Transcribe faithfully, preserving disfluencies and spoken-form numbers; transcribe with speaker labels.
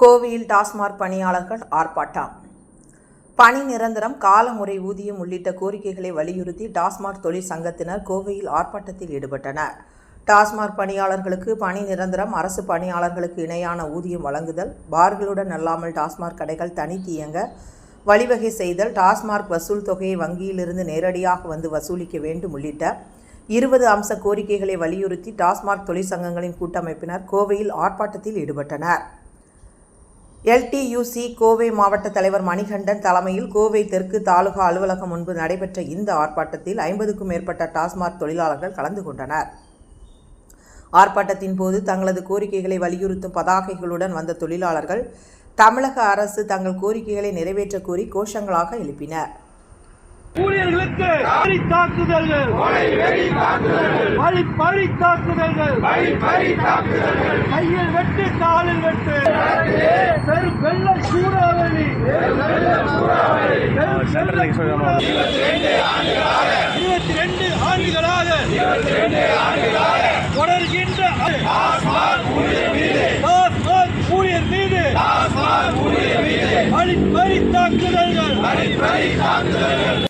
Speaker 1: கோவையில் டாஸ்மாக் பணியாளர்கள் ஆர்ப்பாட்டம். பணி நிரந்தரம், காலமுறை ஊதியம் உள்ளிட்ட கோரிக்கைகளை வலியுறுத்தி டாஸ்மாக் தொழிற்சங்கத்தினர் கோவையில் ஆர்ப்பாட்டத்தில் ஈடுபட்டனர். டாஸ்மாக் பணியாளர்களுக்கு பணி நிரந்தரம், அரசு பணியாளர்களுக்கு இணையான ஊதியம் வழங்குதல், பார்களுடன் அல்லாமல் டாஸ்மாக் கடைகள் தனித்து இயங்க வழிவகை செய்தல், டாஸ்மாக் வசூல் தொகையை வங்கியிலிருந்து நேரடியாக வந்து வசூலிக்க வேண்டும் உள்ளிட்ட இருபது அம்ச கோரிக்கைகளை வலியுறுத்தி டாஸ்மாக் தொழிற்சங்கங்களின் கூட்டமைப்பினர் கோவையில் ஆர்ப்பாட்டத்தில் ஈடுபட்டனர். எல்டியூசி கோவை மாவட்ட தலைவர் மணிகண்டன் தலைமையில் கோவை தெற்கு தாலுகா அலுவலகம் முன்பு நடைபெற்ற இந்த ஆர்ப்பாட்டத்தில் ஐம்பதுக்கும் மேற்பட்ட டாஸ்மாக் தொழிலாளர்கள் கலந்து கொண்டனர். ஆர்ப்பாட்டத்தின் போது தங்களது கோரிக்கைகளை வலியுறுத்தும் பதாகைகளுடன் வந்த தொழிலாளர்கள் தமிழக அரசு தங்கள் கோரிக்கைகளை நிறைவேற்ற கோரி கோஷங்களாக எழுப்பினர்.
Speaker 2: ஊழியர்களுக்கு வரி தாக்குதல்கள், வழி பறி தாக்குதல்கள், கையில் வெட்டு, காலில் வெட்டு, பெரும் வெள்ள சூறாவளி, இருபத்தி ரெண்டு ஆண்டுகளாக தொடர்கின்ற ஊழியர் மீது வழி பறி தாக்குதல்கள்.